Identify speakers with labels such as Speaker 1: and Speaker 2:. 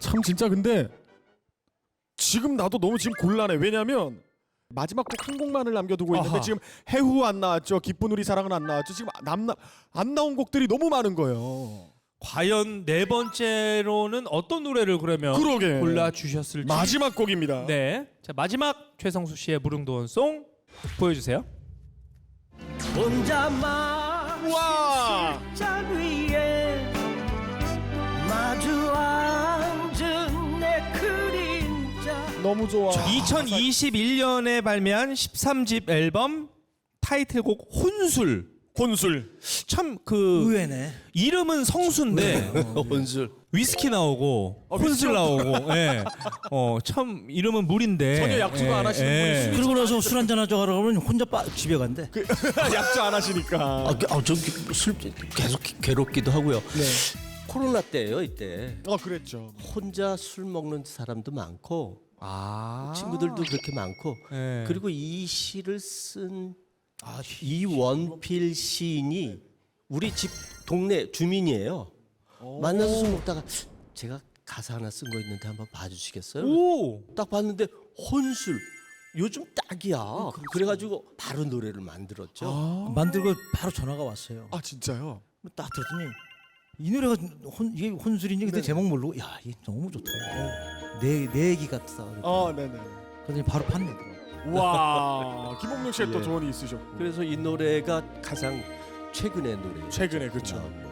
Speaker 1: 참 진짜 근데 지금 나도 너무 지금 곤란해. 왜냐면 마지막 곡 한 곡만을 남겨두고 있는데
Speaker 2: 아하.
Speaker 1: 지금 해후 안 나왔죠. 기쁜 우리 사랑은 안 나왔죠. 지금 안 나온 곡들이 너무 많은 거예요.
Speaker 2: 과연 네 번째로는 어떤 노래를 그러면
Speaker 1: 그러게.
Speaker 2: 골라 주셨을지.
Speaker 1: 마지막 곡입니다.
Speaker 2: 네. 자, 마지막 최성수 씨의 무릉도원송 보여주세요.
Speaker 3: 혼자만
Speaker 1: 와.
Speaker 3: 술잔 위에 마주 앉은 내 그림자.
Speaker 1: 너무 좋아.
Speaker 2: 2021년에 발매한 13집 앨범 타이틀곡 혼술.
Speaker 1: 혼술.
Speaker 2: 참 그
Speaker 4: 의외네.
Speaker 2: 이름은 성수인데
Speaker 4: 혼술.
Speaker 2: 위스키 나오고 혼술 나오고 예. 참 이름은 물인데
Speaker 1: 전혀 약주도 안 하시는 분이
Speaker 4: 그러고 나서 술 한잔 하자고 하면 혼자 집에 간대.
Speaker 1: 약주 안 하시니까.
Speaker 4: 전 계속 괴롭기도 하고요. 코로나 때예요 이때.
Speaker 1: 그랬죠.
Speaker 4: 혼자 술 먹는 사람도 많고
Speaker 2: 아.
Speaker 4: 친구들도 그렇게 많고
Speaker 2: 네.
Speaker 4: 그리고 이 시를 쓴 이원필 시인이 우리 집 동네 주민이에요. 만나서 술 먹다가 제가 가사 하나 쓴 거 있는데 한번 봐주시겠어요?
Speaker 2: 오.
Speaker 4: 딱 봤는데 혼술 요즘 딱이야. 그래가지고 바로 노래를 만들었죠.
Speaker 5: 만들고 바로 전화가 왔어요.
Speaker 1: 아 진짜요?
Speaker 5: 딱 들었더니 이 노래가 이게 혼술이니 근데 제목 모르고 야 이게 너무 좋다. 내 얘기 같다.
Speaker 1: 네네.
Speaker 5: 그랬더니 바로 판매더라고.
Speaker 1: 와. 김홍룡 씨의 또
Speaker 4: 예.
Speaker 1: 조언이 있으셨고.
Speaker 4: 그래서 이 노래가 가장 최근의 노래.
Speaker 1: 최근에 그쵸.